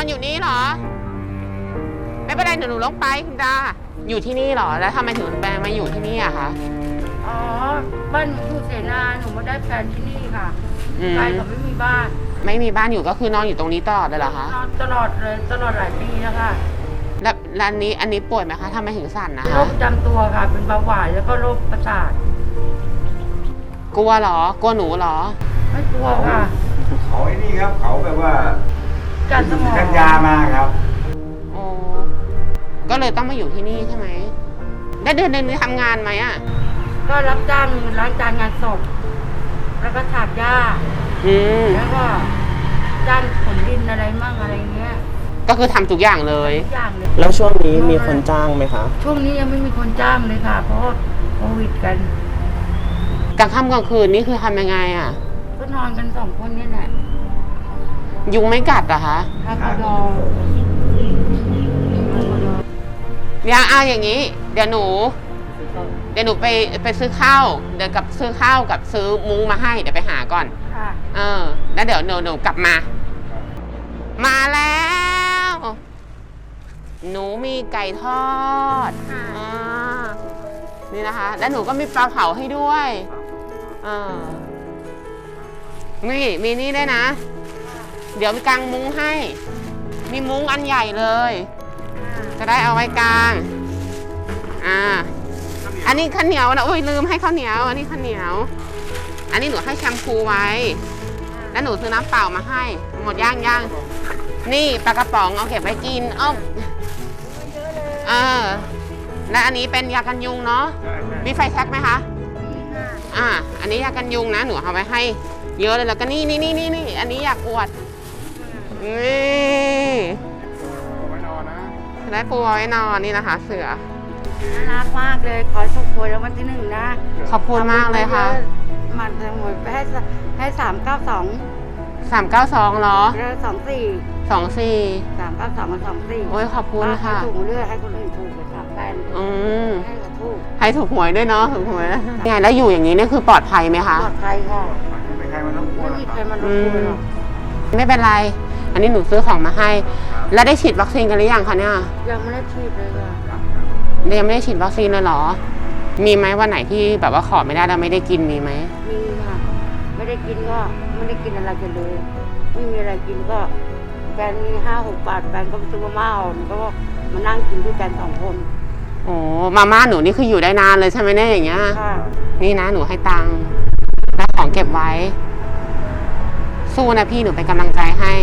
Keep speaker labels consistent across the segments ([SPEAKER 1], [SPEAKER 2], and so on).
[SPEAKER 1] อนอยู่นี่เหรอไม่เป็นไรหนูลงไปคุณดาอยู่ที่นี่เหรอแล้วทำไมถึงแปลงมาอยู่ที่นี่อะคะ
[SPEAKER 2] อ๋อบ้านหนูอยู่เสนาหนูมาได้แฟนที่นี่ค่ะใครเขาไม่มีบ้าน
[SPEAKER 1] ไม่มีบ้านอยู่ก็คือนอนอยู่ตรงนี้ตลอดเลยเหรอคะ
[SPEAKER 2] นอนตลอดเลยตลอดหลายปีแล้วค่ะ
[SPEAKER 1] แล้วอันนี้ป่วยไหมคะทำไมถึงสั่นนะคะ
[SPEAKER 2] โรคประจำตัวค่ะเป็นเบาหวานแล้วก็โรคประสาท
[SPEAKER 1] กลัวเหรอกลัวหนูเหรอ
[SPEAKER 2] ไม่กลัวค่ะ
[SPEAKER 3] เขาไอ้นี่ครับเขาแบบว่า
[SPEAKER 2] การสมอง
[SPEAKER 3] กันยามาครับ
[SPEAKER 1] โอ้ก็เลยต้องมาอยู่ที่นี่ใช่ไหมได้เดือนนึงทำงานไหมอ่ะ
[SPEAKER 2] ก็รับจ้างล้างจานงานศพแล้วก็ถากหญ้าแล้วก็จ้างขนดินอะไรมั่งอะไรเงี้ย
[SPEAKER 1] ก็คือทำทุกอย่างเลย
[SPEAKER 2] ทุกอย่างเลย
[SPEAKER 4] แล้วช่วงนี้มีคนจ้างไหมคะ
[SPEAKER 2] ช่วงนี้ยังไม่มีคนจ้างเลยค่ะเพราะโควิดกัน
[SPEAKER 1] กลางค่ำกลางคืนนี่คือทำยังไงอ่ะ
[SPEAKER 2] ก็นอนกัน2 คนนี่แหละ
[SPEAKER 1] ยุงไม่กัดเหรอคะ
[SPEAKER 2] ครับ
[SPEAKER 1] อย่างนี้เดี๋ยวหนูไปซื้อข้าวเดี๋ยวกับซื้อข้าวกับซื้อมุ้งมาให้เดี๋ยวไปหาก่อนแล้วเดี๋ยวหนูกลับมาแล้วหนูมีไก่ทอดนี่นะคะแล้วหนูก็มีปลาเผาให้ด้วยนี่มีนี่ด้วยนะเดี๋ยวมีกางมุ้งให้มีมุ้งอันใหญ่เลยจะได้เอาไว้กางอันนี้ข้าวเหนียวนะโอ้ยลืมให้ข้าวเหนียวอันนี้ข้าวเหนียวอันนี้หนูให้แชมพูไว้แล้วหนูซื้อน้ำเปล่ามาให้หมดย่างนี่ปลากระป๋องเอาเก็บไว้กินและอันนี้เป็นยากันยุงเนาะมีไฟแช็กไหมคะอันนี้ยากันยุงนะหนูเอาไว้ให้เยอะเลยแล้วก็นี่อันนี้อยากอวดนี่ได้ปูไว้นอนนี่นะคะเสือ
[SPEAKER 2] น่ารักมากเลยขอโชคดีแล้ววันที่1นะ
[SPEAKER 1] ขอบคุณมากเลยค่ะ
[SPEAKER 2] มันจะหมดไปให้
[SPEAKER 1] 392เหรอ
[SPEAKER 2] แล้ว24 392กับ24
[SPEAKER 1] โอ้ยขอบคุณค่ะ
[SPEAKER 2] ถูกเรื่อยให้คนอื่นถูกเลยครับแฟนให้เขาถูก
[SPEAKER 1] ให้ถูกหวยด้วยเนาะถูกหวยไงแล้วอยู่อย่างนี้นี่คือปลอดภัยไหมคะ
[SPEAKER 2] ปลอดภัยค่ะ
[SPEAKER 3] ไม่มีใครมารบกวน
[SPEAKER 2] หรอก
[SPEAKER 1] ไม่เป็นไรอันนี้หนูซื้อของมาให้แล้วได้ฉีดวัคซีนกันหรือยังคะเนี่ย
[SPEAKER 2] ยังไม่ได้ฉีดเลยค่ะ
[SPEAKER 1] ยังไม่ได้ฉีดวัคซีนเลยเหรอมีไหมวันไหนที่แบบว่าขอไม่ได้แล้วไม่ได้กินมีไหม
[SPEAKER 2] มีค่ะไม่ได้กินก็ไม่ได้กินอะไรกันเลยไม่มีอะไรกินก็แฟนมี5-6 บาทแฟนก็ไปซื้อมาม่าก็มานั่งกินด้วยกัน2 คน
[SPEAKER 1] โอ้มาม่าหนูนี่คืออยู่ได้นานเลยใช่ไหมเนี่ยอย่างเงี้ยนี่นะหนูให้ตังค์แล้วของเก็บไว้สู้นะพี่หนูเป็นกำลังใจให้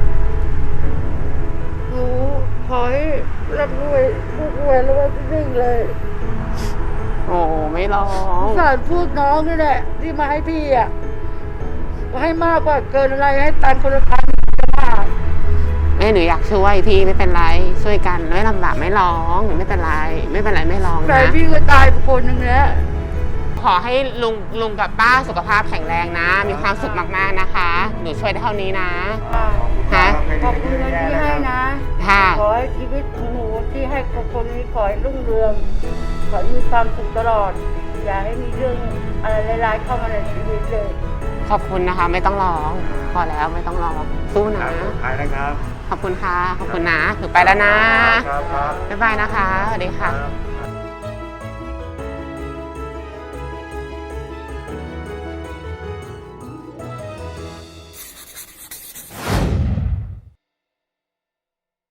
[SPEAKER 2] หนูขอให้รับรวยทุกวันแล้วว่าที่1เลย
[SPEAKER 1] โอ้ไม่ร้อง
[SPEAKER 2] สารพูดน้องนี่แหละที่มาให้พี่ให้มากกว่าเกินอะไรให้ตันคนละ1,000
[SPEAKER 1] หนูอยากช่วยพี่ไม่เป็นไรช่วยกันไม่ลำบากไม่ร้องไม่เป็นไรไม่ร้องนะ
[SPEAKER 2] แต่พี่ก็ตายไปคนนึงแล้ว
[SPEAKER 1] ขอให้ลุงกับป้าสุขภาพแข็งแรงนะมีความสุขมากๆนะคะหนูช่วยได้เท่านี้นะ
[SPEAKER 2] ขอบคุณที่ให้นะขอให้ชีวิตหนูที่ให้คนนี้ขอให้รุ่งเรืองขอให้มีความสุขตลอดอย่าให้มีเรื่องอะไรร้ายๆเข้ามาในชีวิตเลย
[SPEAKER 1] ขอบคุณนะคะไม่ต้องร้องพอแล้วไม่ต้องร้องสู้นะ
[SPEAKER 3] ไปนะครับ
[SPEAKER 1] ขอบคุณค่ะขอบคุณนะหนูไปแล้วนะบ๊ายบายนะคะสวัสดีค่ะ